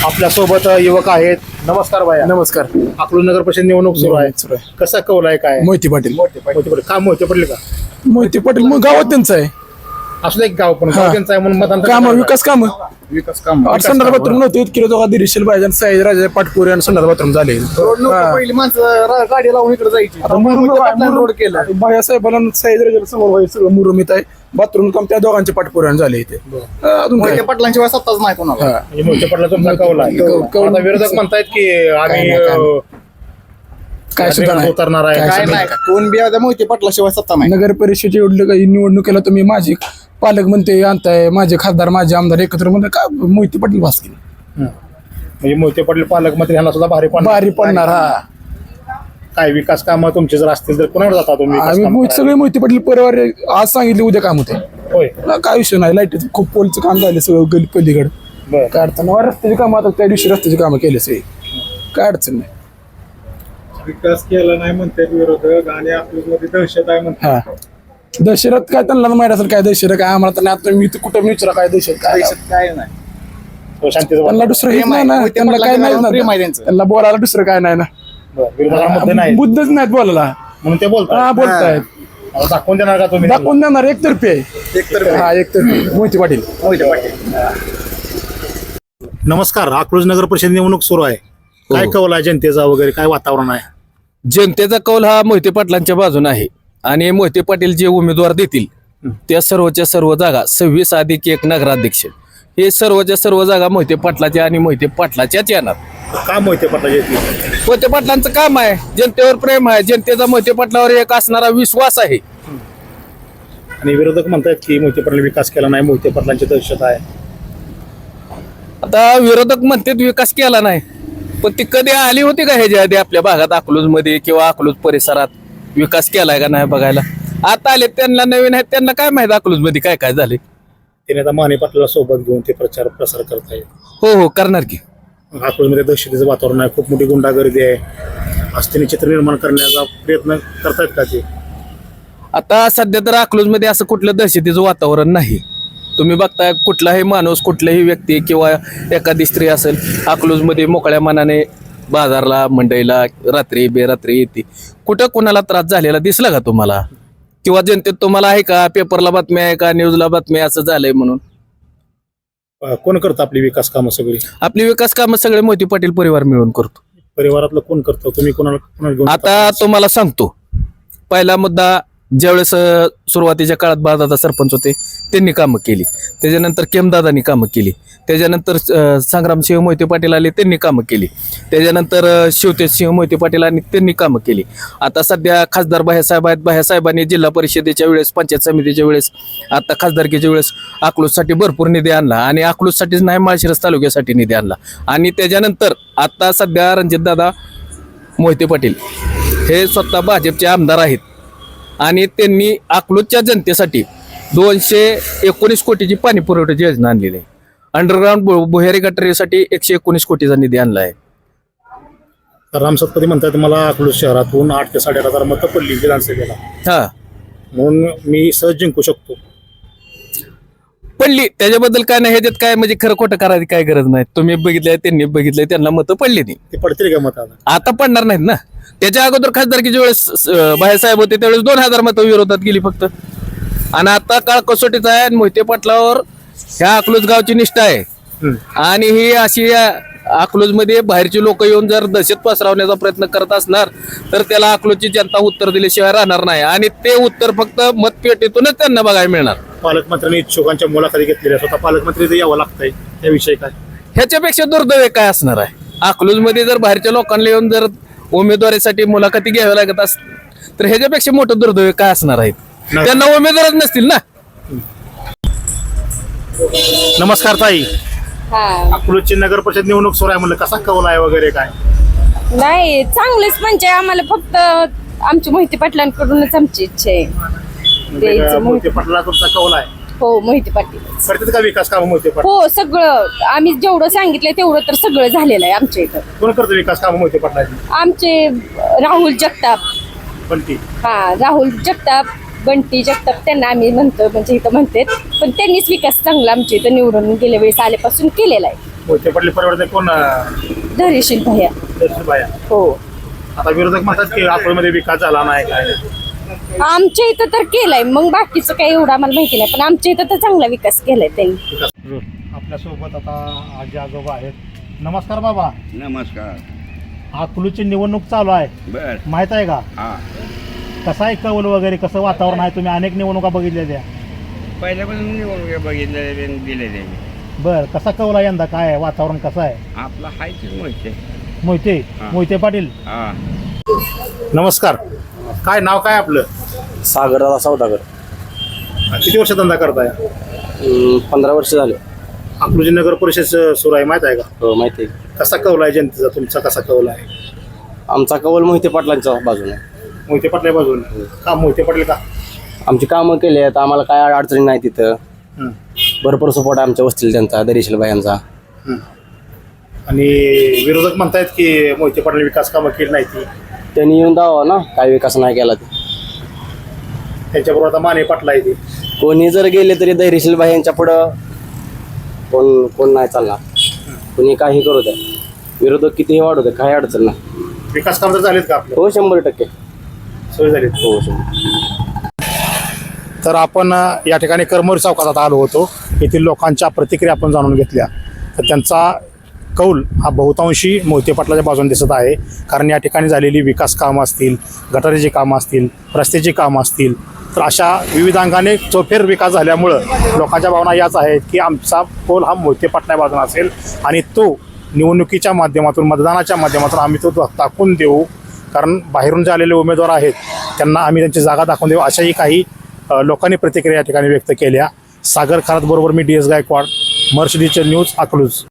आपल्या सोबत युवक आहेत. नमस्कार बाया. नमस्कार. अकलूज नगर परिषद निवडणूक सुरू आहे. कसा कौल आहे काय? मोहिते पाटील. मोहिते पाटील का? मोहिते पाटील का? मोहिते पाटील मग गावात त्यांचं आहे. असलं एक गाव पण गाव त्यांचं आहे म्हणून मतदान काम विकास काम विकास काम संडास बाथरूम नव्हते इतके दोघा दिरीशील पाहिजे साईज राजा पाटपुरी आणि संडास बाथरूम झाले. पहिली माणसं गाडी लावून इकडे जायची. रोड केला बाया साहेबांना साईज राजा समोर सगळं मुरुमित आहे. बाथरूम काम त्या दोघांच्या पाटपुऱ्यानं झाले इथे. अजून काय? मोहिते पाटलांची वेळ सत्ताच नाही कोणाला. म्हणजे मोहिते पाटला तुमचा कौल आहे. आता विरोधक म्हणतायत की आम्ही काय सुद्धा नाही. उतरणार आहे. काय नाही कोण बी आता मोहिते पाटलाशिवाय सत्ता नाही. नगर परिषदेची काही निवडणुकीला तुम्ही माझी पालकमंत्री आणताय, माझे खासदार माझे आमदार एकत्र म्हणतात का मोहिते पाटील भासकी म्हणजे मोहिते पाटील पालकमंत्री ह्यांना सुद्धा भारी भारी पडणार. हा काय विकास कामं तुमचे जर असतील तर कोणाकडे जाता तुम्ही? आम्ही सगळे मोहिते पाटील परिवार आज सांगितले उद्या काम होते. होय काय विषय नाही. लाईट खूप पोलचं काम झालं सगळं गली पलीकडे. बरं. काय अडचण नाही. रस्त्याची कामं आता त्या दिवशी रस्त्याची कामं केले सगळे. काय अडचण नाही. विकास केला नाही म्हणते विरोधक आणि आपल्यामध्ये दहशत आहे म्हणते. हा दशरथ काय त्यांना माहित असेल काय दशरथ काय आम्हाला तर नाही. आता मी कुठं विचारा काय दशरथ काय काय नाही. शांतीचं त्यांना दुसरं हेच नाही ना. त्यांना काय नाही प्रेम आहे ना. त्यांचं. त्यांना बोलायला दुसरं काय नाही ना. विरोधामध्ये नाही बुद्धच नाहीत बोलायला. म्हणून ते हा बोलतात. बोलतायत. दाखवून देणार का तुम्ही? दाखवून देणार एकतर्फी आहे. हा एकतर्फी मोहिते पाटील. मोहिते पाटील. नमस्कार. अकलूज नगर परिषद निवडणूक सुरू आहे. काय कौल आहे जनतेचा वगैरे काय वातावरण आहे? जनतेचा कौल हा मोहिते पाटलांच्या बाजूने आहे आणि मोहिते पाटील जे उमेदवार देतील त्या सर्वच्या सर्व जागा 26+1 नगराध्यक्ष हे सर्वच्या सर्व जागा मोहिते पाटलाच्या आणि मोहिते पाटलाच्याच येणार. का मोहिते पाटला येतील? मोहिते पाटलांचं काम आहे, जनतेवर प्रेम आहे, जनतेचा मोहिते पाटलावर एक असणारा विश्वास आहे. आणि विरोधक म्हणतात की मोहिते पाटील विकास केला नाही, मोहिते पाटलांची दहशत आहे. आता विरोधक म्हणतात विकास केला नाही, पण ती कधी आली होती का ह्याच्या आधी आपल्या भागात अकलूज मध्ये किंवा अकलूज परिसरात विकास केलाय का नाही बघायला? आता आले त्यांना नवीन आहेत, त्यांना काय माहित अकलूज मध्ये काय काय झाले. त्याने आता माने पाटलाला सोबत घेऊन ते प्रसार करतायत. हो करणार की. अकलूजमध्ये दहशतीचं वातावरण आहे, खूप मोठी गुंडागर्दी आहे, अस्थिनी चित्र निर्माण करण्याचा प्रयत्न करतायत का ते? आता सध्या तर अकलूज मध्ये असं कुठलं दहशतीचं वातावरण नाही. तुम्ही बघताय कुठलाही माणूस कुठलाही व्यक्ती किंवा एखादी स्त्री असेल अकलूज मध्ये मोकळ्या मनाने बाजारला मंडईला रात्री बेरात्री येते. कुठं कोणाला त्रास झालेला दिसला का तुम्हाला? किंवा जनतेत तुम्हाला आहे का पेपरला बातमी आहे का न्यूजला बातमी असं झालंय म्हणून? कोण करतं आपली विकास कामं सगळी? आपली विकास कामं सगळे मोहिते पाटील परिवार मिळून करतो. परिवारातलं कोण करतं? तुम्ही कोणाला घेऊन? आता तुम्हाला सांगतो, पहिला मुद्दा ज्यावेळेस सुरुवातीच्या काळात बाळदादा सरपंच होते त्यांनी कामं केली, त्याच्यानंतर केमदादांनी कामं केली, त्याच्यानंतर संग्रामसिंह मोहिते पाटील आले त्यांनी कामं केली, त्याच्यानंतर शिवतेजसिंह मोहिते पाटील आणि त्यांनी कामं केली. आता सध्या खासदार बाह्यासाहेब आहेत. बाह्यासाहेबांनी जिल्हा परिषदेच्या वेळेस पंचायत समितीच्या वेळेस आता खासदारकीच्या वेळेस अकलूजसाठी भरपूर निधी आणला आणि अकलूजसाठीच नाही माळशिरस तालुक्यासाठी निधी आणला. आणि त्याच्यानंतर आता सध्या रणजितदादा मोहिते पाटील हे स्वतः भाजपचे आमदार आहेत आणि त्यांनी अकलूजच्या जनतेसाठी 219 कोटीची पाणी पुरवठ्याची योजना आणलेली आहे. अंडरग्राऊंड भुयारी गटारीसाठी 119 कोटीचा निधी आणला आहे. राम सतपती म्हणतात मला अकलूज शहरातून 8 ते 8.5 मतं पडली विधानसभेला, हा म्हणून मी सहज जिंकू शकतो. पडली त्याच्याबद्दल काय नाही, ह्याच्यात काय म्हणजे खरं खोटं करायची काय गरज नाही. तुम्ही बघितलंय त्यांनी बघितलंय, त्यांना मतं पडली ती. ते पडतील का मत? आता पडणार नाहीत ना. त्याच्या अगोदर खासदारकीच्या वेळेस बाहेरसाहेब होते त्यावेळेस 2000 मतं विरोधात गेली फक्त. आणि आता काळ कसोटीचा आहे आणि मोहिते पाटलावर ह्या अकलूज गावची निष्ठा आहे. आणि ही अशी अकलूज मध्ये बाहेरची लोक येऊन जर दहशत पसरवण्याचा प्रयत्न करत असणार तर त्याला अकलूजची जनता उत्तर दिल्याशिवाय राहणार नाही. आणि ते उत्तर फक्त मतपेटीतूनच त्यांना बघायला मिळणार. पालकमंत्र्यांनी इच्छुकांच्या मुलाखती घेतलेल्या, स्वतः पालकमंत्री इथे यावं लागतंय, त्याविषयी काय? ह्याच्यापेक्षा दुर्दैव काय असणार आहे? अकलूज मध्ये जर बाहेरच्या लोकांना येऊन जर उमेदवारीसाठी मुलाखती घ्याव्या लागत असतील तर ह्याच्यापेक्षा मोठं दुर्दैव काय असणार आहेत? त्यांना उमेदवारच नसतील ना. नमस्कार ताई. अकलूजची नगर परिषद निवडणूक सुरू आहे, म्हणलं कसा कौल आहे वगैरे काय? नाही चांगलेच म्हणजे आम्हाला फक्त आमच्या मोहिते पाटलांकडूनच आमची इच्छा आहे द्यायचं. मोहिते पाटला तुमचा कौल आहे? हो मोहिते पाटील करतात का विकास काम मोहिते पाटील? हो सगळं आम्ही जेवढं सांगितलंय तेवढं तर सगळं झालेलं आहे आमच्या इथं. कोण करतं विकास काम मोहिते पाटलाची? आमचे राहुल जगताप. पण ती राहुल जगताप बंटी जगताप त्यांना आम्ही म्हणतो म्हणजे इथं म्हणतात, पण त्यांनीच विकास चांगला आमच्या इथं निवडून गेल्या वेळेस आल्यापासून केलेला आहे. मोहिते पाटील परिवर्तन कोण धैर्यशील भैया. बाया हो, आता विरोधक म्हणतात की अकोल्यामध्ये विकास झाला नाही काय. आमच्या इथं तर केलाय, मग बाकीचं काही एवढं आम्हाला माहिती नाही, पण आमच्या इथं तर चांगला विकास केलाय त्यांनी. आपल्यासोबत आता आजी आजोबा आहेत. नमस्कार बाबा. नमस्कार. अकलूची निवडणूक चालू आहे, बर. माहित आहे का? हा, कसं आहे कौल वगैरे, कसं वातावरण आहे? तुम्ही अनेक निवडणुका बघितल्या त्या. पहिल्यापासून निवडणुका बघितलेले दिलेले. बर, कसा कौल आहे यंदा? काय आहे वातावरण, कसं आहे? आपला हायच माहिती. मोहिते हा. मोहिते पाटील. हा, नमस्कार. काय नाव काय आपलं? सागरदादा सौदागर. किती वर्ष धंदा करताय? 15 वर्ष झाले. अकलूची नगर परिषद सुरू आहे, माहित आहे का? हो माहिती आहे. कसा कौल आहे जनतेचा? तुमचा कसा कौल आहे? आमचा कौल मोहिते पाटलांच्या बाजूने. मोहिते पाटला बाजून का? मोहिते पाटील का? आमची कामं केली आहेत, आम्हाला काय अडचणी नाही तिथं. हं. भरपूर सपोर्ट आहे आमच्या वस्तीला त्यांचा, धैर्यशील भाईंचा. हं. आणि विरोधक म्हणतायत की मोहिते पाटील विकास कामं केली नाही ती. त्यांनी येऊन दावा ना काय विकास नाही केला ते. त्यांच्याबरोबर आता माने पाटला आहे ते. कोणी जर गेले तरी धैर्यशील भाईंच्या पुढं कोण नाही चालणार. कोणी काही करू द्या, विरोधक कितीही वाढू द्या, काही अडचण नाही. विकास काम तर झालेत का आपले? हो 100%. सोय झाली. हो 100%. तर आपण या ठिकाणी करमोरी चौकात आलो होतो. येथील लोकांच्या प्रतिक्रिया आपण जाणून घेतल्या. तर त्यांचा कौल हा बहुतांशी मोहिते पाटलाच्या बाजूने दिसत आहे. कारण या ठिकाणी झालेली विकास कामं असतील, गटारीची कामं असतील, रस्त्याची कामं असतील, तर अशा विविध अंगाने चौफेर विकास झाल्यामुळं लोकांच्या भावना याच आहेत की आमचा कौल हा मोहिते पाटला बाजूने असेल आणि तो निवडणुकीच्या माध्यमातून, मतदानाच्या माध्यमातून आम्ही तो दाखवून देऊ. कारण बाहेरून जे आलेले उमेदवार आहेत त्यांना आम्ही त्यांची जागा दाखवून देऊ, अशाही काही लोकांनी प्रतिक्रिया या ठिकाणी व्यक्त केल्या. सागर खरात बरोबर मी DS गायकवाड, मर्सिडीजचे न्यूज अकलूज.